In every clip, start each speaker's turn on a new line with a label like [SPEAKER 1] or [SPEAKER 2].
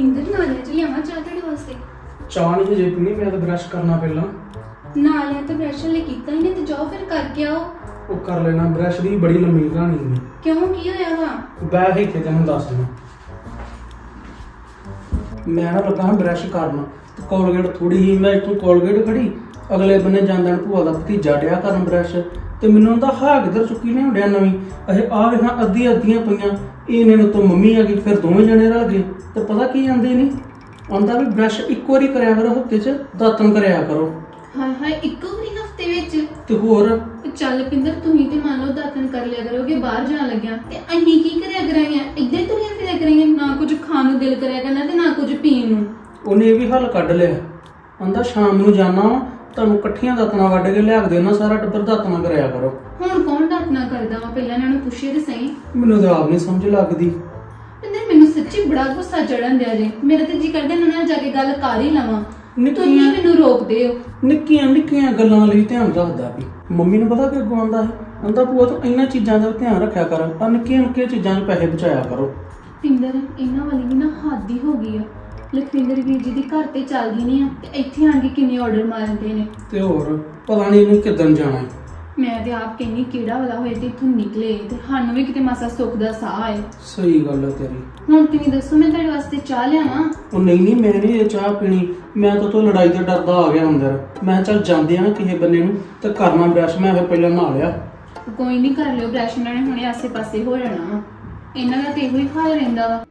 [SPEAKER 1] ਇੰਦਰ ਨਾਲਿਆਂ ਚ ਲਿਆਵਾਂ ਚਾਹ ਤੁਹਾਡੇ ਵਾਸਤੇ?
[SPEAKER 2] ਚਾਹ ਨਹੀਂ ਜੇ ਪੀਣੀ, ਮੈਂ ਤਾਂ ਬ੍ਰਸ਼ ਕਰਨਾ ਪਹਿਲਾਂ।
[SPEAKER 1] ਨਾਲਿਆਂ ਤਾਂ ਬ੍ਰਸ਼ ਲਈ ਕੀਤਾ ਹੀ ਨਹੀਂ ਤੇ ਜਾਓ ਫਿਰ ਕਰਕੇ ਆਓ।
[SPEAKER 2] ਉਹ ਕਰ ਲੈਣਾ, ਬ੍ਰਸ਼ ਦੀ ਬੜੀ ਲੰਮੀ ਕਹਾਣੀ ਹੈ।
[SPEAKER 1] ਕਿਉਂ, ਕੀ ਹੋਇਆ ਵਾ?
[SPEAKER 2] ਬੈਠ ਇੱਥੇ ਤੈਨੂੰ ਦੱਸ ਦਿਆਂ। ਮੈਂ ਨਾ ਲੱਗਾ ਹਾਂ ਬ੍ਰਸ਼ ਕਰਨ, ਤੇ ਕੋਲਗੇਟ ਥੋੜੀ ਹੀ ਮੈਂ ਇੱਥੋਂ ਕੋਲਗੇਟ ਖੜੀ, ਅਗਲੇ ਬੰਨੇ ਜਾਂਦਣ ਭੂਆ ਦਾ ਭਤੀਜਾ ਡਿਆ ਕਰਨ ਬ੍ਰਸ਼, ਤੇ ਮੈਨੂੰ ਉਹਦਾ ਹਾਂ ਕਿੱਧਰ ਚੁੱਕੀ ਨੇ ਹੁੰਦਿਆ ਨਵੀਂ। ਇਹ ਆ ਵੇਖਾਂ ਅੱਧੀਆਂ ਪਈਆਂ, ਇਹਨੇ ਨੂੰ ਤੋਂ ਮੰਮੀ ਆ ਗਈ, ਫਿਰ ਦੋਵੇਂ ਜਣੇ ਰਲ ਗਏ। ਤੇ ਪਤਾ ਕੀ ਆਂਦੇ ਨਹੀਂ, ਆਂਦਾ ਵੀ ਬ੍ਰਸ਼ ਇੱਕੋ ਵਾਰੀ ਕਰਿਆ ਕਰੋ ਹਫਤੇ 'ਚ, ਦਾਤਣ ਕਰਿਆ ਕਰੋ।
[SPEAKER 1] ਹਾਏ ਹਾਏ, ਇੱਕੋ ਵਾਰੀ ਹਫਤੇ ਵਿੱਚ?
[SPEAKER 2] ਤੇ ਹੋਰ
[SPEAKER 1] ਚੱਲ ਪਿੰਦਰ, ਤੁਸੀਂ ਤੇ ਮੰਨ ਲਓ ਦਾਤਨ ਕਰ ਲਿਆ ਕਰੋਗੇ ਬਾਹਰ ਜਾਣ ਲੱਗਿਆ, ਤੇ ਅਸੀਂ ਕੀ ਕਰਿਆ ਕਰਾਂਗੇ? ਇੱਧਰ ਤੁਰਿਆ ਫਿਰਿਆ ਕਰਾਂਗੇ, ਨਾ ਕੁਝ ਖਾਣ ਨੂੰ ਦਿਲ ਕਰਿਆ ਕਰਨਾ ਤੇ ਨਾ ਕੁਝ ਪੀਣ ਨੂੰ।
[SPEAKER 2] ਉਹਨੇ ਇਹ ਵੀ ਹੱਲ ਕੱਢ ਲਿਆ, ਆਂਦਾ ਸ਼ਾਮ ਨੂੰ ਜਾਣਾ ਵਾ, ਤੁਹਾਨੂੰ ਇਕੱਠੀਆਂ ਦਾਤਣਾ ਵੱਢ ਕੇ ਲਿਆ ਕੇ ਦੇਣਾ, ਸਾਰਾ ਟੱਬਰ ਦਾਤਣਾ ਕਰਿਆ ਕਰੋ।
[SPEAKER 1] ਹੁਣ ਕੌਣ ਦਾਤਨਾ ਕਰਦਾ ਵਾ? ਪਹਿਲਾਂ ਇਹਨਾਂ ਨੂੰ ਪੁੱਛੇ ਤੇ ਸਹੀ।
[SPEAKER 2] ਮੈਨੂੰ ਤਾਂ ਆਪ ਨਹੀਂ ਸਮਝ ਲੱਗਦੀ।
[SPEAKER 1] ਪਿੰਦਰ, ਮੈਨੂੰ ਸੱਚੀ ਬੜਾ ਗੁੱਸਾ ਚੜਨ ਦਿਆ ਜੇ। ਮੇਰਾ ਤੇ ਜੀ ਕਰਦਾ ਇਹਨਾਂ ਨਾਲ ਜਾ ਕੇ ਗੱਲ ਕਰ ਹੀ ਲਵਾਂ। ਤੁਸੀਂ ਮੈਨੂੰ ਰੋਕਦੇ ਹੋ।
[SPEAKER 2] ਨਿੱਕੀਆਂ ਗੱਲਾਂ ਲਈ ਧਿਆਨ ਰੱਖਦਾ ਵੀ। ਮੰਮੀ ਨੂੰ ਪਤਾ ਕਿ ਅੱਗੋਂ ਆਂਦਾ ਹੈ, ਆਂਦਾ ਭੂਆ ਤੂੰ ਇਹਨਾਂ ਚੀਜ਼ਾਂ ਦਾ ਧਿਆਨ ਰੱਖਿਆ ਕਰ, ਆ ਨਿੱਕੀਆਂ ਚੀਜ਼ਾਂ 'ਚ ਪੈਸੇ ਬਚਾਇਆ ਕਰੋ।
[SPEAKER 1] ਪਿੰਦਰ, ਇਹਨਾਂ ਵਾਲੀ ਵੀ ਨਾ ਹੱਦ ਹੀ ਹੋ ਗਈ ਆ। ਲਖਵਿੰਦਰ ਵੀਰ ਜੀ ਦੀ ਘਰ ਤੇ ਚੱਲ ਗਈ ਨਹੀਂ ਆ, ਤੇ ਇੱਥੇ ਆਣ ਕੇ ਕਿੰਨੇ ਆਰਡਰ ਮਾਰਦੇ ਨੇ।
[SPEAKER 2] ਤੇ ਹੋਰ ਪਤਾ ਨਹੀਂ ਇਹਨੂੰ ਕਿੱਦਣ ਜਾਣਾ।
[SPEAKER 1] ਮੈਂ ਤੇ ਆਪ ਕਹਿੰਨੀ ਕਿਹੜਾ ਵਾਲਾ ਹੋਏ ਤੇ ਇੱਥੋਂ ਨਿਕਲੇ, ਤੇ ਸਾਨੂੰ ਵੀ ਕਿਤੇ ਮਾਸਾ ਸੁੱਖ ਦਾ ਸਾਹ ਆਏ।
[SPEAKER 2] ਸਹੀ ਗੱਲ ਹੈ ਤੇਰੀ।
[SPEAKER 1] ਹੁਣ ਤੁਸੀਂ ਦੱਸੋ, ਮੈਂ ਤੁਹਾਡੇ ਵਾਸਤੇ ਚਾਹ ਲਿਆਵਾਂ?
[SPEAKER 2] ਉਹ ਨਹੀਂ ਮੈਂ ਨਹੀਂ ਇਹ ਚਾਹ ਪੀਣੀ। ਮੈਂ ਤਾਂ ਤੋਂ ਲੜਾਈ ਦਾ ਡਰਦਾ ਆ ਗਿਆ ਅੰਦਰ। ਮੈਂ ਚੱਲ ਜਾਂਦੇ ਆ ਨਾ ਕਿਸੇ ਬੰਨੇ ਨੂੰ, ਤੇ ਕਰਨਾ ਬ੍ਰਸ਼। ਮੈਂ ਫਿਰ ਪਹਿਲਾਂ ਨਹਾ ਲਿਆ।
[SPEAKER 1] ਕੋਈ ਨਹੀਂ, ਕਰ ਲਿਓ ਬ੍ਰਸ਼, ਇਹਨਾਂ ਨੇ ਹੁਣੇ ਆਸੇ ਪਾਸੇ ਹੋ ਜਾਣਾ ਵਾ। ਇਹਨਾਂ ਦਾ ਤੇ ਇਹੋ ਹੀ ਹਾਲ ਰਹਿੰਦਾ ਵਾ।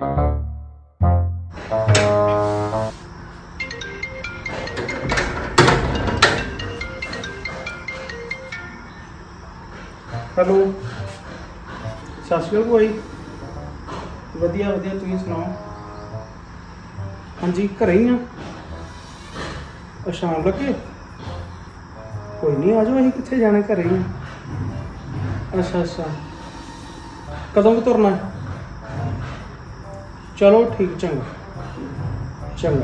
[SPEAKER 2] ਹੈਲੋ, ਸਤਿ ਸ਼੍ਰੀ ਅਕਾਲ ਭਾਈ। ਵਧੀਆ ਤੁਸੀਂ ਸੁਣਾਓ? ਹਾਂਜੀ ਘਰੇ ਹੀ ਆ। ਸ਼ਾਮ ਲੱਗੇ? ਕੋਈ ਨਹੀਂ, ਆ ਜਾਓ। ਅਸੀਂ ਕਿੱਥੇ ਜਾਣਾ, ਘਰੇ ਹੀ ਆ। ਅੱਛਾ ਕਦੋਂ ਕੁ ਤੁਰਨਾ? ਚਲੋ ਠੀਕ, ਚੰਗਾ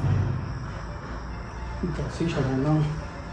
[SPEAKER 2] ਦੱਸ ਹੀ ਛੱਡਣਾ।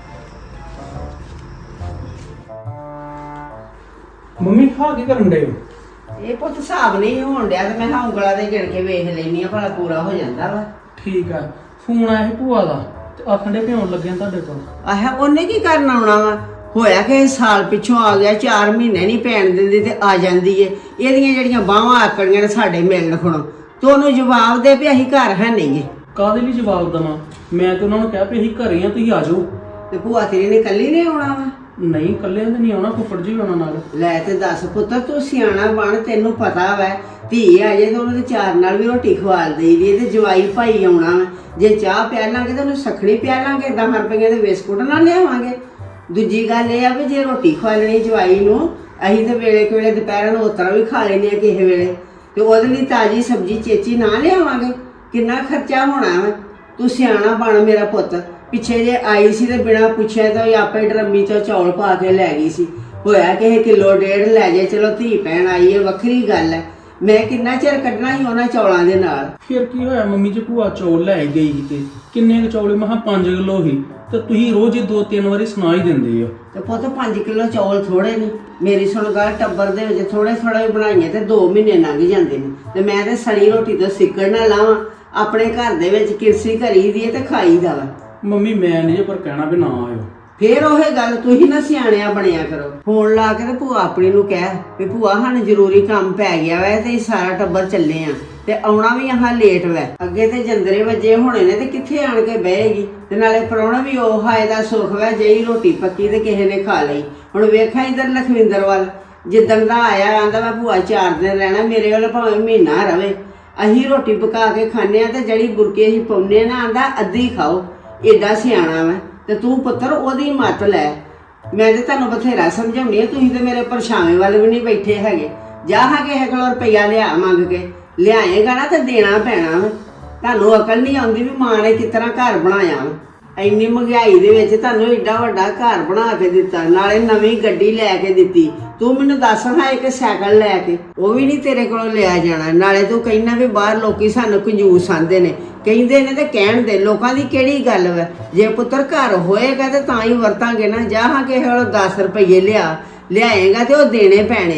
[SPEAKER 2] ਮੰਮੀ ਹਾਂ ਕੀ ਕਰਨ ਡੇ?
[SPEAKER 3] ਇਹ ਪੁੱਤ ਹਿਸਾਬ ਨਹੀਂ ਹੋਣ ਡਿਆ, ਤੇ ਮੈਂ ਹਾਂ ਉਂਗਲਾਂ ਦੇ ਗਿਣ ਕੇ ਵੇਖ ਲੈਣੀ ਆ, ਭਲਾ ਪੂਰਾ ਹੋ ਜਾਂਦਾ ਵਾ।
[SPEAKER 2] ਠੀਕ ਆ। ਫੋਨ ਆਇਆ ਸੀ ਭੂਆ ਦਾ, ਤੇ ਆਖਣ ਦੇ ਭਿਉਣ ਲੱਗੇ ਤੁਹਾਡੇ ਕੋਲ।
[SPEAKER 3] ਆਹ ਉਹਨੇ ਕੀ ਕਰਨ ਆਉਣਾ ਵਾ? ਹੋਇਆ ਕਿ ਸਾਲ ਪਿੱਛੋਂ ਆ ਗਿਆ, 4 ਮਹੀਨੇ ਨਹੀਂ ਪੈਣ ਦਿੰਦੀ ਤੇ ਆ ਜਾਂਦੀ ਏ। ਇਹਦੀਆਂ ਜਿਹੜੀਆਂ ਬਾਹਾਂ ਆਕੜੀਆਂ ਨੇ ਸਾਡੇ ਮਿਲਣ ਖਣੋ, ਤੇ ਉਹਨੂੰ ਜਵਾਬ ਦੇ ਵੀ ਅਸੀਂ ਘਰ ਹੈ ਨਹੀਂਗੇ।
[SPEAKER 2] ਕਾਹਦੇ ਲਈ ਜਵਾਬ ਦੇਵਾਂ? ਮੈਂ ਤਾਂ ਉਹਨਾਂ ਨੂੰ ਕਿਹਾ ਵੀ ਅਸੀਂ ਘਰੇ ਆ, ਤੁਸੀਂ ਆ ਜਾਓ।
[SPEAKER 3] ਤੇ ਭੂਆ ਤੇਰੀ ਨੇ ਕੱਲੀ ਨੇ ਆਉਣਾ ਵਾ?
[SPEAKER 2] ਨਹੀਂ ਇਕੱਲੇ ਤਾਂ ਨਹੀਂ ਆਉਣਾ, ਫੁੱਫੜ ਜੀ ਆਉਣਾ ਨਾਲ।
[SPEAKER 3] ਲੈ ਤੇ ਦੱਸ ਪੁੱਤਰ, ਤੂੰ ਸਿਆਣਾ ਬਣ, ਤੈਨੂੰ ਪਤਾ ਵਾ ਧੀ ਆ ਜੇ ਤਾਂ ਉਹਨੂੰ ਚਾਰ ਨਾਲ ਵੀ ਰੋਟੀ ਖਵਾਲ ਦੇਈਦੀ, ਤੇ ਜਵਾਈ ਭਾਈ ਆਉਣਾ ਵਾ। ਜੇ ਚਾਹ ਪਿਆ ਲਾਂਗੇ ਤਾਂ ਉਹਨੂੰ ਸਖਣੀ ਪਿਆ ਲਾਂਗੇ, 10 ਰੁਪਏ ਦੇ ਬਿਸਕੁਟ ਨਾਲ ਲਿਆਵਾਂਗੇ। ਦੂਜੀ ਗੱਲ ਇਹ ਆ ਵੀ ਜੇ ਰੋਟੀ ਖਵਾਲਣੀ ਜਵਾਈ ਨੂੰ, ਅਸੀਂ ਤਾਂ ਵੇਲੇ ਕੋਲੇ ਦੁਪਹਿਰਾਂ ਨੂੰ ਉਤਰਾ ਵੀ ਖਾ ਲੈਂਦੇ ਆ ਕਿਸੇ ਵੇਲੇ, ਤੇ ਉਹਦੇ ਲਈ ਤਾਜ਼ੀ ਸਬਜ਼ੀ ਚੇਚੀ ਨਾ ਲਿਆਵਾਂਗੇ। ਕਿੰਨਾ ਖਰਚਾ ਹੋਣਾ ਵਾ। ਤੂੰ ਸਿਆਣਾ ਬਣ ਮੇਰਾ ਪੁੱਤ। ਪਿੱਛੇ ਜੇ ਆਈ ਸੀ ਤੇ ਬਿਨਾਂ ਪੁੱਛਿਆ ਤਾਂ ਆਪੇ ਡਰਮੀ ਚੋਂ ਚੌਲ ਪਾ ਕੇ ਲੈ ਗਈ ਸੀ। ਹੋਇਆ ਕਿ ਕਿਲੋ ਡੇਢ ਲੈ ਜੇ, ਚਲੋ ਧੀ ਭੈਣ ਆਈ ਹੈ ਵੱਖਰੀ ਗੱਲ ਹੈ। ਮੈਂ ਕਿੰਨਾ ਚਿਰ ਕੱਢਣਾ ਸੀ ਉਹਨਾਂ ਚੌਲਾਂ ਦੇ ਨਾਲ।
[SPEAKER 2] ਫਿਰ ਕੀ ਹੋਇਆ ਮੰਮੀ ਜੀ, ਭੂਆ ਚੌਲ ਲੈ ਗਈ ਸੀ ਤੇ ਕਿੰਨੇ ਕੁ ਚੌਲੇ? ਮੈਂ 5 ਕਿਲੋ ਸੀ, ਤੇ ਤੁਸੀਂ ਰੋਜ਼ ਹੀ 2-3 ਵਾਰੀ ਸੁਣਾ ਹੀ ਦਿੰਦੇ ਹੋ।
[SPEAKER 3] ਤੇ ਪੁੱਤ 5 ਕਿਲੋ ਚੌਲ ਥੋੜੇ ਨੇ? ਮੇਰੀ ਸੁਣ ਗੱਲ, ਟੱਬਰ ਦੇ ਵਿੱਚ ਥੋੜੇ ਵੀ ਬਣਾਈਏ ਤੇ 2 ਮਹੀਨੇ ਲੰਘ ਜਾਂਦੇ ਨੇ। ਤੇ ਮੈਂ ਤੇ ਸੜੀ ਰੋਟੀ ਤੋਂ ਸਿੱਕੜ ਨਾ ਲਾਵਾਂ। ਆਪਣੇ ਘਰ ਦੇ ਵਿੱਚ ਕਿਰਸੀ ਕਰੀ ਦੀ ਤੇ ਖਾਈ ਦਾ ਵਾ।
[SPEAKER 2] ਮੰਮੀ ਮੈਂ ਨਹੀਂ ਪਰ ਕਹਿਣਾ ਵੀ ਨਾ ਆਇਓ।
[SPEAKER 3] ਫੇਰ ਉਹ ਗੱਲ, ਤੁਸੀਂ ਨਾ ਸਿਆਣਿਆ ਬਣਿਆ ਕਰੋ। ਫੋਨ ਲਾ ਕੇ ਤੇ ਭੂਆ ਆਪਣੀ ਨੂੰ ਕਹਿ ਵੀ ਭੂਆ ਸਾਨੂੰ ਜ਼ਰੂਰੀ ਕੰਮ ਪੈ ਗਿਆ ਵਾ, ਤੇ ਸਾਰਾ ਟੱਬਰ ਚੱਲੇ ਆ, ਤੇ ਆਉਣਾ ਵੀ ਆਹ ਲੇਟ ਵਾ। ਅੱਗੇ ਤੇ ਜੰਦਰੇ ਵੱਜੇ ਹੋਣੇ ਨੇ, ਤੇ ਕਿੱਥੇ ਆਣ ਕੇ ਬਹੇਗੀ? ਤੇ ਨਾਲੇ ਪ੍ਰਾਹੁਣਾ ਵੀ ਉਹ ਹਾਏ ਦਾ ਸੁੱਖ ਵਾ, ਜਿਹੀ ਰੋਟੀ ਪੱਕੀ ਤੇ ਕਿਸੇ ਨੇ ਖਾ ਲਈ। ਹੁਣ ਵੇਖਾਂ ਇਧਰ ਲਖਵਿੰਦਰ ਵੱਲ, ਜਿੱਦਣ ਦਾ ਆਇਆ ਆਂਦਾ ਮੈਂ ਭੂਆ 4 ਦਿਨ ਰਹਿਣਾ, ਮੇਰੇ ਵੱਲ ਭਾਵੇਂ ਮਹੀਨਾ ਰਵੇ। ਅਸੀਂ ਰੋਟੀ ਪਕਾ ਕੇ ਖਾਂਦੇ ਆ, ਤੇ ਜਿਹੜੀ ਬੁਰਕੇ ਅਸੀਂ ਪਾਉਂਦੇ ਨਾ ਆਂਦਾ ਅੱਧੀ ਖਾਓ। ਏਡਾ ਸਿਆਣਾ ਵਾ। ਤੇ ਤੂੰ ਪੁੱਤਰ ਉਹਦੀ ਮੱਤ ਲੈ। ਮੈਂ ਤੇ ਤੁਹਾਨੂੰ ਬਥੇਰਾ ਸਮਝਾਉਣੀ ਆ, ਤੁਸੀਂ ਤੇ ਮੇਰੇ ਪਰਛਾਵੇਂ ਵੱਲ ਵੀ ਨਹੀਂ ਬੈਠੇ ਹੈਗੇ। ਜਾ ਹਾਂ ਕਿਸੇ ਕੋਲੋਂ ਰੁਪਈਆ ਲਿਆ ਮੰਗ ਕੇ, ਲਿਆਏਗਾ ਨਾ ਤੇ ਦੇਣਾ ਪੈਣਾ ਵਾ। ਤੁਹਾਨੂੰ ਅਕਲ ਨਹੀਂ ਆਉਂਦੀ ਵੀ ਮਾਂ ਨੇ ਕਿਸ ਤਰ੍ਹਾਂ ਘਰ ਬਣਾਇਆ ਵਾ। ਇੰਨੀ ਮਹਿੰਗਾਈ ਦੇ ਵਿੱਚ ਤੁਹਾਨੂੰ ਏਡਾ ਵੱਡਾ ਘਰ ਬਣਾ ਕੇ ਦਿੱਤਾ, ਨਾਲੇ ਨਵੀਂ ਗੱਡੀ ਲੈ ਕੇ ਦਿੱਤੀ। ਤੂੰ ਮੈਨੂੰ ਦੱਸ ਹਾਂ, ਇੱਕ ਸਾਈਕਲ ਲੈ ਕੇ ਉਹ ਵੀ ਨਹੀਂ ਤੇਰੇ ਕੋਲੋਂ ਲਿਆ ਜਾਣਾ। ਨਾਲੇ ਤੂੰ ਕਹਿੰਦਾ ਵੀ ਬਾਹਰ ਲੋਕੀ ਸਾਨੂੰ ਕੰਜੂਸ ਆਂਦੇ ਨੇ, ਕਹਿੰਦੇ ਨੇ ਤੇ ਕਹਿਣ ਦੇ, ਲੋਕਾਂ ਦੀ ਕਿਹੜੀ ਗੱਲ ਵਾ। ਜੇ ਪੁੱਤਰ ਘਰ ਹੋਏਗਾ ਤੇ ਤਾਂ ਹੀ ਵਰਤਾਂਗੇ ਨਾ। ਜਾ ਹਾਂ ਕਿਸੇ ਕੋਲੋਂ 10 ਰੁਪਏ ਲਿਆਏਗਾ ਤੇ ਉਹ ਦੇਣੇ ਪੈਣੇ ਨੇ।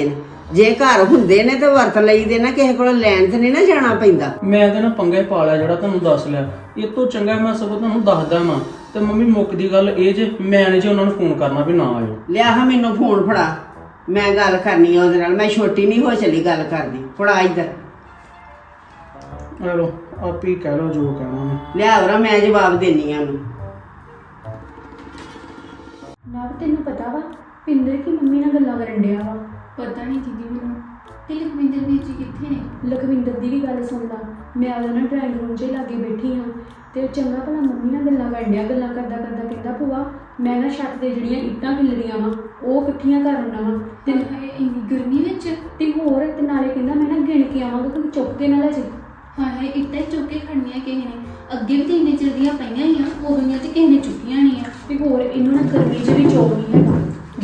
[SPEAKER 3] ਜੇ ਘਰ ਹੁੰਦੇ ਨੇ ਤੇ ਵਰਤ ਲਈਦੇ ਨਾ, ਕਿਸੇ ਕੋਲ ਲੈਣ ਤੇ ਨਹੀਂ ਨਾ ਜਾਣਾ ਪੈਂਦਾ।
[SPEAKER 2] ਮੈਂ ਤਾਂ ਨਾ ਪੰਗੇ ਪਾ ਲਿਆ ਜਿਹੜਾ ਤੁਹਾਨੂੰ ਦੱਸ ਲਿਆ। ਇਹ ਤੋਂ ਚੰਗਾ ਮੈਂ ਸਗੋਂ ਤੁਹਾਨੂੰ ਦੱਸਦਾ ਵਾਂ। ਤੇ ਮੰਮੀ ਮੁੱਕਦੀ ਗੱਲ ਇਹ ਜੇ ਮੈਂ ਨਹੀਂ ਜੇ ਉਹਨਾਂ ਨੂੰ ਫੋਨ ਕਰਨਾ ਵੀ ਨਾ ਆਇਓ।
[SPEAKER 3] ਲਿਆ ਹਾਂ ਮੈਨੂੰ ਫੋਨ ਫੜਾ, ਮੈਂ ਗੱਲ ਕਰਨੀ ਆ ਉਹਦੇ ਨਾਲ। ਮੈਂ ਛੋਟੀ ਨਹੀਂ ਹੋ ਚਲੀ ਗੱਲ ਕਰਦੀ। ਫੜਾ ਇੱਧਰ।
[SPEAKER 2] ਆ ਲੋ ਆਪ ਹੀ ਕਹਿ ਲਓ ਜੋ ਕਹਿਣਾ ਮੈਂ।
[SPEAKER 3] ਲਿਆ ਵਰਾ, ਮੈਂ ਜਵਾਬ ਦੇਣੀ ਆ ਉਹਨੂੰ।
[SPEAKER 4] ਨਾ ਤੈਨੂੰ ਪਤਾ ਵਾ ਪਿੰਦਰ ਕੀ ਮੰਮੀ ਨਾਲ ਗੱਲਾਂ ਕਰਨ ਡਿਆ ਵਾ।
[SPEAKER 1] ਪਤਾ ਨਹੀਂ ਦੀਦੀ ਮੈਨੂੰ। ਤੇ ਲਖਵਿੰਦਰ ਵੀਰ ਜੀ ਕਿੱਥੇ ਨੇ?
[SPEAKER 4] ਲਖਵਿੰਦਰ ਦੀ ਵੀ ਗੱਲ ਸੁਣਦਾ। ਮੈਂ ਉਹਦੇ ਨਾਲ ਡਰਾਇੰਗ ਰੂਮ 'ਚ ਲਾਗੇ ਬੈਠੀ ਹਾਂ ਤੇ ਉਹ ਚੰਗਾ ਭਲਾ ਮੰਮੀ ਨਾਲ ਗੱਲਾਂ ਕਰਨ ਡਿਆ। ਗੱਲਾਂ ਕਰਦਾ ਕਰਦਾ ਕਹਿੰਦਾ ਭੂਆ ਮੈਂ ਨਾ ਛੱਤ ਤੇ ਜਿਹੜੀਆਂ ਇੱਟਾਂ ਖਿਲਰੀਆਂ ਵਾ ਉਹ ਇਕੱਠੀਆਂ ਕਰ ਆਉਣਾ ਵਾ
[SPEAKER 1] ਤੇ ਇੰਨੀ ਗਰਮੀ ਵਿੱਚ
[SPEAKER 4] ਤੇ ਹੋਰ ਤੇ ਨਾਲੇ ਕਹਿੰਦਾ ਮੈਂ ਨਾ ਗਿਣ ਕੇ ਆਵਾਂਗਾ ਕੋਈ ਚੁੱਕ ਕੇ ਨਾ ਲੈ ਜੇ।
[SPEAKER 1] ਹਾਏ ਇੱਟਾਂ ਚੁੱਕ ਕੇ ਖੜਨੀਆਂ ਕਿਸੇ ਨੇ? ਅੱਗੇ ਵੀ ਤੇ ਇੰਨੇ ਚਿਰ ਦੀਆਂ ਪਈਆਂ ਹੀ ਆ, ਉਦੋਂ ਤੇ ਕਿਸੇ ਨੇ ਚੁੱਕੀਆਂ ਨਹੀਂ ਆ।
[SPEAKER 4] ਤੇ ਹੋਰ ਇਹਨੂੰ ਨਾ ਗਰਮੀ 'ਚ ਵੀ ਚੋਰ ਨਹੀਂ ਹੈਗਾ।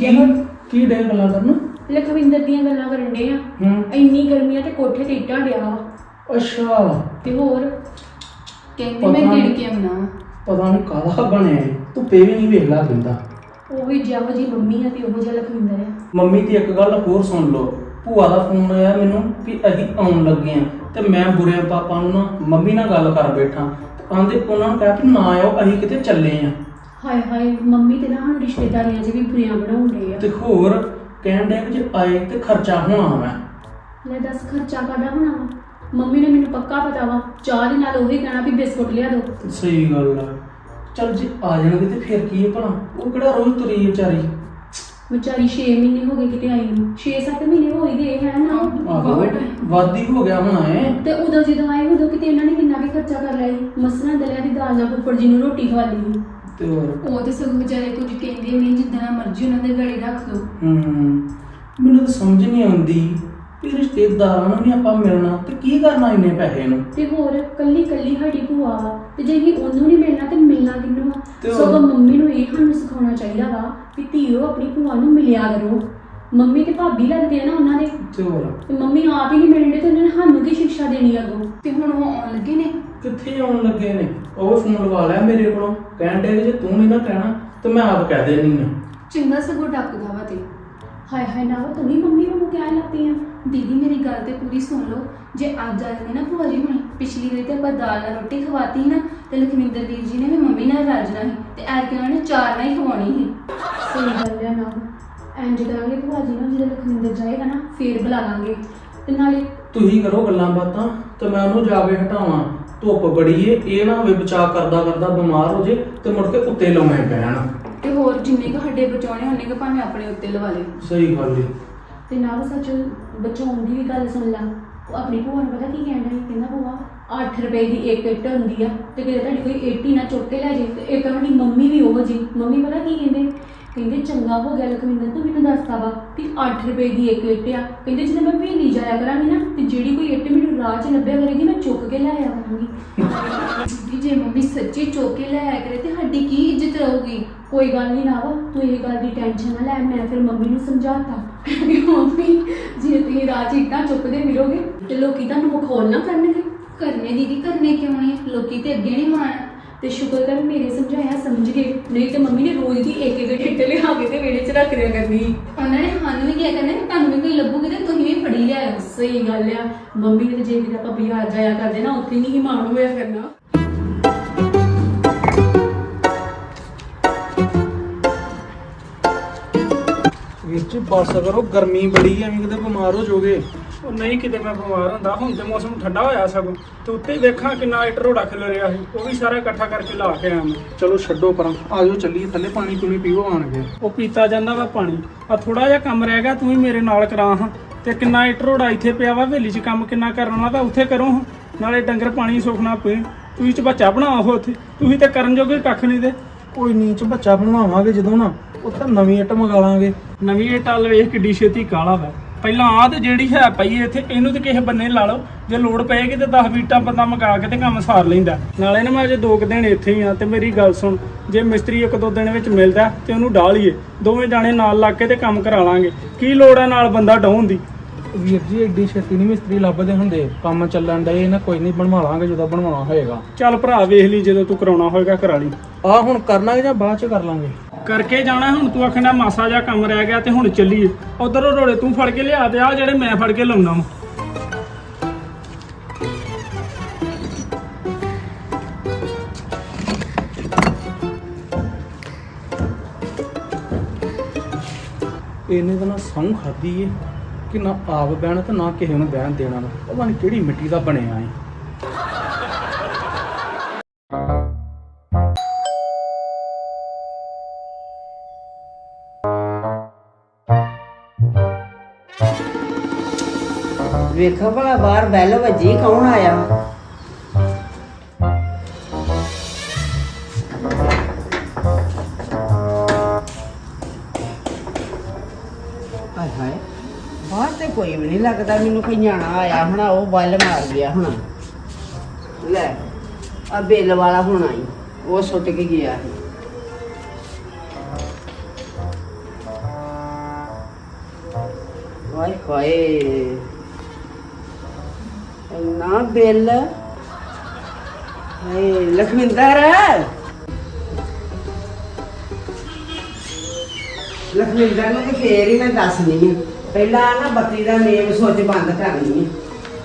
[SPEAKER 2] ਕੀ ਡੇ ਗੱਲਾਂ ਕਰਨ?
[SPEAKER 4] ਲਖਵਿੰਦਰ ਦੀਆਂ ਗੱਲਾਂ ਕਰਨ ਡੇ ਆ। ਇੰਨੀ ਗਰਮੀ ਆ ਤੇ ਕੋਠੇ ਤੇ ਇੱਟਾਂ ਡਿਆ ਵਾ।
[SPEAKER 2] ਅੱਛਾ
[SPEAKER 4] ਤੇ ਹੋਰ
[SPEAKER 1] ਕਹਿੰਦੇ ਮੈਂ ਗਿਣ ਕੇ ਆਉਣਾ ਵਾ।
[SPEAKER 2] ਪਤਾ ਨਹੀਂ ਕਾਹਦਾ ਬਣਿਆ ਇਹ। ਧੁੱਪੇ ਵੀ ਨਹੀਂ ਵੇਖਲਾ ਦਿੰਦਾ।
[SPEAKER 4] ਉਹ ਵੀ ਜਿਹੋ ਜਿਹੀ ਮੰਮੀ ਆ ਤੇ ਉਹੋ ਜਿਹਾ ਲਖਵਿੰਦਰ ਆ।
[SPEAKER 2] ਮੰਮੀ ਦੀ ਇੱਕ ਗੱਲ ਹੋਰ ਸੁਣ ਲਓ। ਭੂਆ ਦਾ ਫੋਨ ਆਇਆ ਮੈਨੂੰ ਵੀ ਅਸੀਂ ਆਉਣ ਲੱਗੇ ਆ ਤੇ ਮੈਂ ਬੁਰੇ ਪਾਪਾ ਨੂੰ ਨਾ ਮੰਮੀ ਨਾਲ ਗੱਲ ਕਰ ਬੈਠਾ। ਆਂਦੇ ਉਹਨਾਂ ਨੂੰ ਕਹਿ ਵੀ ਨਾ ਆਓ ਅਸੀਂ ਕਿਤੇ ਚੱਲੇ ਆ।
[SPEAKER 4] ਹਾਏ ਹਾਏ ਮੰਮੀ ਤੇ ਨਾ ਹੁਣ ਰਿਸ਼ਤੇਦਾਰੀਆਂ 'ਚ ਵੀ ਬੁਰੀਆਂ ਬਣਾਉਣ ਡਏ ਆ।
[SPEAKER 2] ਤੇ ਹੋਰ ਕਹਿਣ ਦੇ ਜੇ ਆਏ ਤੇ ਖਰਚਾ ਹੋਣਾ ਵਾ।
[SPEAKER 4] ਲੈ ਦੱਸ ਖਰਚਾ ਕਾਹਦਾ ਹੋਣਾ ਵਾ? ਮੰਮੀ ਨੇ ਮੈਨੂੰ ਪੱਕਾ ਪਤਾ ਵਾ ਚਾਹ ਦੇ ਨਾਲ ਉਹੀ ਕਹਿਣਾ ਵੀ ਬਿਸਕੁਟ ਲਿਆ ਦੋ।
[SPEAKER 2] ਸਹੀ ਗੱਲ ਆ। ਚੱਲ ਜੇ ਆ ਜਾਣਗੇ ਤੇ ਫਿਰ ਕੀ ਹੈ ਭਲਾ? ਉਹ ਕਿਹੜਾ ਰੋਜ਼ ਤੁਰੀ ਵਿਚਾਰੀ।
[SPEAKER 4] ਵਿਚਾਰੀ 6 ਮਹੀਨੇ ਹੋ ਗਏ ਕਿਤੇ ਆਈ ਨੂੰ। 6-7 ਮਹੀਨੇ ਹੋ ਹੀ ਗਏ ਹੈ ਨਾ।
[SPEAKER 2] ਆਹੋ ਵਾਦੀ ਹੋ ਗਿਆ ਹੋਣਾ ਏ।
[SPEAKER 4] ਤੇ ਉਦੋਂ ਜਦੋਂ ਆਏ ਉਦੋਂ ਕਿਤੇ ਇਹਨਾਂ ਨੇ ਕਿੰਨਾ ਵੀ ਖਰਚਾ ਕਰ ਲਿਆ ਸੀ। ਮਸਰਾਂ ਦਲਿਆ ਦੀ ਦਾਲ ਨਾਲ ਫੁੱਫੜ ਜੀ ਨੂੰ ਰੋਟੀ ਖਵਾ ਲਈ।
[SPEAKER 2] ਤੇ ਹੋਰ
[SPEAKER 1] ਉਹ ਤੇ ਸਗੋਂ ਵਿਚਾਰੇ ਕੁਝ ਕਹਿੰਦੇ ਵੀ ਨਹੀਂ, ਜਿੱਦਾਂ ਮਰਜ਼ੀ ਉਹਨਾਂ ਦੇ ਗਲੇ ਰੱਖ ਲਓ।
[SPEAKER 2] ਮੈਨੂੰ ਤਾਂ ਸਮਝ ਨਹੀਂ ਆਉਂਦੀ ਵੀ ਰਿਸ਼ਤੇਦਾਰਾਂ ਨੂੰ ਵੀ ਆਪਾਂ ਮਿਲਣਾ ਤੇ ਕੀ ਕਰਨਾ ਇੰਨੇ ਪੈਸੇ ਨੂੰ।
[SPEAKER 4] ਤੇ ਹੋਰ ਕੱਲੀ ਕੱਲੀ ਸਾਡੀ ਭੂਆ ਵਾ ਤੇ ਜੇ ਅਸੀਂ ਉਹਨੂੰ ਨਹੀਂ ਮਿਲਣਾ ਤੇ ਮਿਲਣਾ ਕਿਹਨੂੰ ਆ?
[SPEAKER 2] ਤੇ ਹੋਰ।
[SPEAKER 4] ਸਗੋਂ ਮੰਮੀ ਨੂੰ ਇਹ ਸਾਨੂੰ ਸਿਖਾਉਣਾ ਚਾਹੀਦਾ ਵਾ ਵੀ ਧੀਓ ਆਪਣੀ ਭੂਆ ਨੂੰ ਮਿਲਿਆ ਕਰੋ। ਮੰਮੀ ਤੇ ਭਾਬੀ ਲੱਗਦੇ ਆ ਨਾ ਉਹਨਾਂ ਦੇ।
[SPEAKER 2] ਤੇ ਹੋਰ
[SPEAKER 4] ਤੇ ਮੰਮੀ ਆਪ ਹੀ ਨਹੀਂ ਮਿਲਣੇ ਤੇ ਉਹਨਾਂ ਨੇ ਸਾਨੂੰ ਕੀ ਸਿੱਖਿਆ ਦੇਣੀ ਅੱਗੋਂ?
[SPEAKER 1] ਤੇ ਹੁਣ ਉਹ ਆਉਣ ਲੱਗੇ ਨੇ।
[SPEAKER 2] ਕਿੱਥੇ ਆਉਣ ਲੱਗੇ ਨੇ? ਉਹ ਫੋਨ ਲਵਾ ਲਿਆ ਮੇਰੇ ਕੋਲੋਂ। ਕਹਿਣ ਦੇ ਜੇ ਤੂੰ ਨਹੀਂ ਨਾ ਕਹਿਣਾ ਤੇ ਮੈਂ ਆਪ ਕਹਿ ਦੇਣੀ ਆ।
[SPEAKER 1] ਚੰਗਾ ਸਗੋਂ ਡੱਕਦਾ ਵਾ ਤੇ।
[SPEAKER 4] ਹਾਏ ਹਾਏ ਨਾ ਤੂੰ ਵੀ ਮੰਮੀ ਨੂੰ ਕਹਿਣ ਲੱਗ ਪਈ ਆ।
[SPEAKER 1] ਦੀਦੀ ਮੇਰੀ ਗੱਲ ਤੇ ਪੂਰੀ ਸੁਣ ਲਓ। ਜੇ ਅੱਜ ਆ ਜਾਂਦੇ ਨਾ ਭੂਆ ਜੀ ਹੁਣੀ, ਪਿਛਲੀ ਵਾਰੀ ਤੇ ਆਪਾਂ ਦਾਲ ਨਾਲ ਰੋਟੀ ਖਵਾਤੀ ਨਾ ਤੇ ਲਖਵਿੰਦਰ ਵੀਰ ਜੀ ਨੇ ਵੀ ਮੰਮੀ ਨਾਲ ਰਾਜਣਾ ਸੀ ਤੇ ਐਰਕੇ ਉਹਨਾਂ ਨੇ ਚਾਰ ਨਾਲ ਹੀ ਖਵਾਉਣੀ ਸੀ।
[SPEAKER 4] ਸਹੀ ਗੱਲ ਆ ਨਾ। ਇੰਜ ਕਰਾਂਗੇ ਭੂਆ ਜੀ ਨੂੰ ਜਦੋਂ ਲਖਵਿੰਦਰ ਜਾਏਗਾ ਨਾ ਫੇਰ ਬੁਲਾ ਲਾਂਗੇ। ਤੇ ਨਾਲੇ
[SPEAKER 2] ਤੁਸੀਂ ਕਰੋ ਗੱਲਾਂ ਬਾਤਾਂ ਤੇ ਮੈਂ ਉਹਨੂੰ ਜਾ ਕੇ ਹਟਾਵਾਂ। ਧੁੱਪ ਬੜੀ ਏ, ਇਹ ਨਾ ਹੋਵੇ ਬਚਾਅ ਕਰਦਾ ਕਰਦਾ ਬਿਮਾਰ ਹੋ ਜੇ ਤੇ ਮੁੜ ਕੇ ਉੱਤੇ ਲਾਉਣੇ ਪੈਣ।
[SPEAKER 1] ਤੇ ਹੋਰ ਜਿੰਨੇ ਕੁ ਹੱਡੇ ਬਚਾਉਣੇ ਉਹਨੇ ਕੁ ਭਾਵੇਂ ਆਪਣੇ ਉੱਤੇ ਲਵਾ ਲੇ।
[SPEAKER 2] ਸਹੀ ਗੱਲ ਏ।
[SPEAKER 4] ਤੇ ਨਾਲ ਸੱਚ ਬਚਾਉਣ ਦੀ ਵੀ ਗੱਲ ਸੁਣ ਲਾ। ਉਹ ਆਪਣੀ ਭੂਆ ਨੂੰ ਪਤਾ ਕੀ ਕਹਿੰਦਾ ਸੀ? ਕਹਿੰਦਾ ਭੂਆ 8 ਰੁਪਏ ਦੀ ਇੱਕ ਇੱਟ ਹੁੰਦੀ ਆ ਤੇ ਕਿਤੇ ਤੁਹਾਡੀ ਕੋਈ ਇੱਟ ਹੀ ਨਾ ਚੁੱਕ ਕੇ ਲੈ ਜੇ। ਤੇ ਇੱਕ ਤੁਹਾਡੀ ਮੰਮੀ ਵੀ ਉਹ ਜੀ। ਮੰਮੀ ਪਤਾ ਕੀ ਕਹਿੰਦੇ? ਕਹਿੰਦੇ ਚੰਗਾ ਹੋ ਗਿਆ ਲਖਵਿੰਦਰ ਤੂੰ ਮੈਨੂੰ ਦੱਸਦਾ ਵਾ ਕਿ 8 ਰੁਪਏ ਦੀ ਇੱਕ ਇੱਟ ਆ। ਕਹਿੰਦੇ ਜਦੋਂ ਮੈਂ ਭੇਲੀ ਜਾਇਆ ਕਰਾਂਗੀ ਨਾ ਤੇ ਜਿਹੜੀ ਕੋਈ ਇੱਟ ਮੈਨੂੰ ਰਾਹ 'ਚ ਲੱਭਿਆ ਕਰੇਗੀ ਮੈਂ ਚੁੱਕ ਕੇ ਲੈ ਆਇਆ ਕਰਾਂਗੀ।
[SPEAKER 1] ਦੀਦੀ ਜੇ ਮੰਮੀ ਸੱਚੀ ਚੁੱਕ ਕੇ ਲੈ ਆਇਆ ਕਰੇ ਤੇ ਸਾਡੀ ਕੀ ਇੱਜ਼ਤ ਰਹੂਗੀ?
[SPEAKER 4] ਕੋਈ ਗੱਲ ਨਹੀਂ ਨਾ ਵਾ ਤੂੰ ਇਹ ਗੱਲ ਦੀ ਟੈਨਸ਼ਨ ਨਾ ਲੈ। ਮੈਂ ਫਿਰ ਮੰਮੀ ਨੂੰ ਸਮਝਾਤਾ ਕਿ ਮੰਮੀ ਜੇ ਤੁਸੀਂ ਰਾਹ 'ਚ ਇੱਟਾਂ ਚੁੱਕਦੇ ਮਿਲੋਗੇ ਤੇ ਲੋਕੀ ਤੁਹਾਨੂੰ ਮਖੌਲ ਨਾ ਕਰਨਗੇ।
[SPEAKER 1] ਕਰਨੇ ਦੀਦੀ ਕਰਨੇ ਕਿਉਂ ਨਹੀਂ? ਲੋਕੀ ਤੇ ਅੱਗੇ ਨਹੀਂ ਮਾਣ।
[SPEAKER 4] ਤੇ ਸ਼ੁਕਰ ਕਰ ਮੇਰੇ ਸਮਝਾਇਆ ਸਮਝ ਗਏ। ਨਹੀਂ ਤੇ ਮੰਮੀ ਨੇ ਰੋਜ਼ ਦੀ ਇੱਕ ਇੱਕ ਇੱਟ ਲਿਆ ਕੇ ਤੇ ਵਿਹੜੇ 'ਚ ਰੱਖ ਦਿਆ ਕਰਨੀ।
[SPEAKER 1] ਉਹਨਾਂ ਨੇ ਸਾਨੂੰ ਵੀ ਕਿਹਾ ਕਰਨਾ ਕਿ ਤੁਹਾਨੂੰ ਵੀ ਕੋਈ ਲੱਭੂਗੀ ਤੇ ਤੁਸੀਂ ਵੀ ਫੜੀ ਲਿਆਇਓ।
[SPEAKER 4] ਸਹੀ ਗੱਲ ਆ। ਮੰਮੀ ਨੇ ਤੇ ਜੇ ਕਿਤੇ ਆਪਾਂ ਬਾਜ਼ਾਰ ਜਾਇਆ ਕਰਦੇ ਨਾ ਉੱਥੇ ਨਹੀਂ ਮਾਣ ਹੋਇਆ ਕਰਨਾ।
[SPEAKER 2] ਵੀਰ ਜੀ ਬਸ ਕਰੋ, ਗਰਮੀ ਬੜੀ ਐ, ਐਵੇਂ ਕਿਤੇ ਬਿਮਾਰ ਹੋ ਜਾਓਗੇ।
[SPEAKER 5] ਉਹ ਨਹੀਂ ਕਿਤੇ ਮੈਂ ਬਿਮਾਰ ਹੁੰਦਾ। ਹੁਣ ਤੇ ਮੌਸਮ ਠੰਡਾ ਹੋਇਆ ਸਗੋਂ ਤੇ ਉੱਤੇ ਵੇਖਾਂ ਕਿੰਨਾ ਇੱਟ ਰੋੜਾ ਖਿਲ ਰਿਹਾ ਸੀ। ਉਹ ਵੀ ਸਾਰਾ ਇਕੱਠਾ ਕਰਕੇ ਲਾ ਕੇ ਆਇਆ ਮੈਂ।
[SPEAKER 2] ਚਲੋ ਛੱਡੋ ਪਰਾਂ, ਆਜੋ ਚੱਲੀਏ ਥੱਲੇ, ਪਾਣੀ ਪੂਣੀ ਪੀਓ ਆਣ ਕੇ।
[SPEAKER 5] ਉਹ ਪੀਤਾ ਜਾਂਦਾ ਵਾ ਪਾਣੀ। ਆ ਥੋੜਾ ਜਿਹਾ ਕੰਮ ਰਹਿ ਗਿਆ, ਤੂੰ ਵੀ ਮੇਰੇ ਨਾਲ ਕਰਾ ਹਾਂ। ਤੇ ਕਿੰਨਾ ਇੱਟ ਰੋੜਾ ਇੱਥੇ ਪਿਆ ਵਾ, ਹਵੇਲੀ 'ਚ ਕੰਮ ਕਿੰਨਾ ਕਰਨਾ ਤਾਂ ਉੱਥੇ ਕਰੋ ਹਾਂ। ਨਾਲੇ ਡੰਗਰ ਪਾਣੀ ਸੁਖਣਾ ਪਏ। ਤੁਸੀਂ ਚ ਬੱਚਾ ਬਣਾਓ ਉੱਥੇ। ਤੁਸੀਂ ਤੇ ਕਰਨ ਜੋਗੇ ਕੱਖ ਨਹੀਂ ਦੇ।
[SPEAKER 2] ਕੋਈ ਨੀਚ ਬੱਚਾ ਬਣਵਾਵਾਂਗੇ ਜਦੋਂ ਨਾ, ਉੱਥੇ ਨਵੀਂ ਇੱਟ ਮੰਗਾ ਲਾਂਗੇ।
[SPEAKER 5] ਨਵੀਂ ਇੱਟ ਵੱਲ ਵੇਖ ਕਿੱਡੀ ਛੇਤੀ ਕਾਲਾ ਵਾ। ਪਹਿਲਾਂ ਆਹ ਤੇ ਜਿਹੜੀ ਹੈ ਪਈ ਇੱਥੇ ਇਹਨੂੰ ਤੇ ਕਿਸੇ ਬੰਨੇ ਲਾ ਲਓ। ਜੇ ਲੋੜ ਪਏਗੀ ਤੇ 10 ਵੀਟਾਂ ਬੰਦਾ ਮੰਗਾ ਕੇ ਤੇ ਕੰਮ ਸਾਰ ਲੈਂਦਾ। ਨਾਲੇ ਨਾ ਮੈਂ ਅਜੇ 2 ਦਿਨ ਇੱਥੇ ਹੀ ਆ ਤੇ ਮੇਰੀ ਗੱਲ ਸੁਣ, ਜੇ ਮਿਸਤਰੀ 1-2 ਦਿਨ ਵਿੱਚ ਮਿਲਦਾ ਤੇ ਉਹਨੂੰ ਡਾਹ ਲਈਏ। ਦੋਵੇਂ ਜਾਣੇ ਨਾਲ ਲੱਗ ਕੇ ਤੇ ਕੰਮ ਕਰਾ ਲਾਂਗੇ। ਕੀ ਲੋੜ ਹੈ ਨਾਲ ਬੰਦਾ ਡਾਉਣ ਦੀ?
[SPEAKER 2] ਵੀਰ ਜੀ ਐਡੀ ਛੇਤੀ ਨਹੀਂ ਮਿਸਤਰੀ ਲੱਭਦੇ ਹੁੰਦੇ, ਕੰਮ ਚੱਲਣ ਡਏ ਨਾ, ਕੋਈ ਨਹੀਂ ਬਣਵਾ ਲਾਂਗੇ ਜਦੋਂ ਬਣਵਾਉਣਾ ਹੋਏਗਾ।
[SPEAKER 5] ਚੱਲ ਭਰਾ ਵੇਖ ਲਈ, ਜਦੋਂ ਤੂੰ ਕਰਾਉਣਾ ਹੋਏਗਾ ਕਰਾ ਲਈ।
[SPEAKER 2] ਆ ਹੁਣ ਕਰਨਾ ਜਾਂ ਬਾਅਦ ਚ ਕਰ ਲਾਂਗੇ?
[SPEAKER 5] ਕਰਕੇ ਜਾਣਾ ਹੁਣ, ਤੂੰ ਆਖਣਾ ਮਾਸਾ ਜਿਹਾ ਕੰਮ ਰਹਿ ਗਿਆ ਤੇ ਹੁਣ ਚੱਲੀਏ। ਉਧਰੋਂ ਰੋੜੇ ਤੂੰ ਫੜ ਕੇ ਲਿਆ ਤੇ ਆ ਜਿਹੜੇ ਮੈਂ ਫੜ ਕੇ ਲਾਉਣਾ ਵਾ।
[SPEAKER 2] ਇਹਨੇ ਤਾਂ ਨਾ ਸਹੁੰ ਖਾਦੀ ਏ ਕਿ ਨਾ ਆਪ ਬਹਿਣਾ ਤੇ ਨਾ ਕਿਸੇ ਨੂੰ ਬਹਿਣ ਦੇਣਾ ਵਾ। ਪਤਾ ਨਹੀਂ ਕਿਹੜੀ ਮਿੱਟੀ ਦਾ ਬਣਿਆ ਏ।
[SPEAKER 3] ਵੇਖੋ ਭਲਾ ਬਾਹਰ ਬੈਲ ਵੱਜੀ, ਕੌਣ ਆਇਆ? ਹਾਏ ਹਾਏ, ਬਾਹਰ ਤੇ ਕੋਈ ਵੀ ਨਹੀਂ ਲੱਗਦਾ ਮੈਨੂੰ। ਕੋਈ ਨਿਆਣਾ ਆਇਆ ਹੋਣਾ, ਉਹ ਬੱਲ ਮਾਰ ਗਿਆ ਹੋਣਾ। ਲੈ ਆ ਬਿੱਲ ਵਾਲਾ ਹੋਣਾ ਈ, ਉਹ ਸੁੱਟ ਕੇ ਗਿਆ ਸੀ। ਹਾਏ ਹਾਏ, ਇੰਨਾ ਬਿੱਲ। ਹਾਏ ਲਖਵਿੰਦਰ, ਲਖਵਿੰਦਰ ਨੂੰ ਤੇ ਫੇਰ ਹੀ ਮੈਂ ਦੱਸਣੀ ਆ। ਪਹਿਲਾਂ ਨਾ ਬੱਤੀ ਦਾ ਮੇਨ ਸੁੱਚ ਬੰਦ ਕਰਨੀ ਹੈ।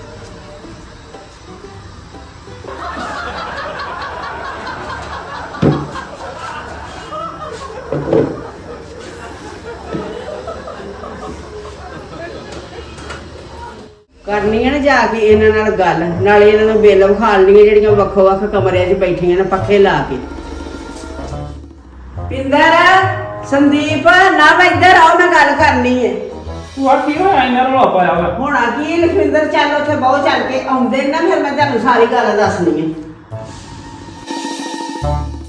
[SPEAKER 3] ਕਰਨੀ ਹੈ ਨਾ ਜਾ ਕੇ ਇਹਨਾਂ ਨਾਲ ਗੱਲ, ਨਾਲੇ ਇਹਨਾਂ ਨੂੰ ਬਿੱਲ ਵਿਖਾਲਣੀਆਂ ਜਿਹੜੀਆਂ ਵੱਖੋ ਵੱਖ ਕਮਰਿਆਂ 'ਚ ਬੈਠੀਆਂ ਨੇ ਪੱਖੇ ਲਾ ਕੇ। ਪਿੰਦਰ, ਸੰਦੀਪ, ਨਾ ਮੈਂ ਇੱਧਰ ਆਓ, ਮੈਂ ਗੱਲ ਕਰਨੀ ਹੈ।
[SPEAKER 5] ਤੂੰ ਆ ਕੀ ਹੋਇਆ ਇੰਨਾ ਰੌਲਾ ਪਾਇਆ ਵਾ?
[SPEAKER 3] ਹੋਣਾ ਕੀ ਲਖਵਿੰਦਰ, ਚੱਲ ਉੱਥੇ ਬਹੁਤ ਚੱਲ ਕੇ ਆਉਂਦੇ ਨਾ, ਫਿਰ ਮੈਂ ਤੁਹਾਨੂੰ ਸਾਰੀ ਗੱਲ ਦੱਸਣੀ ਹੈ।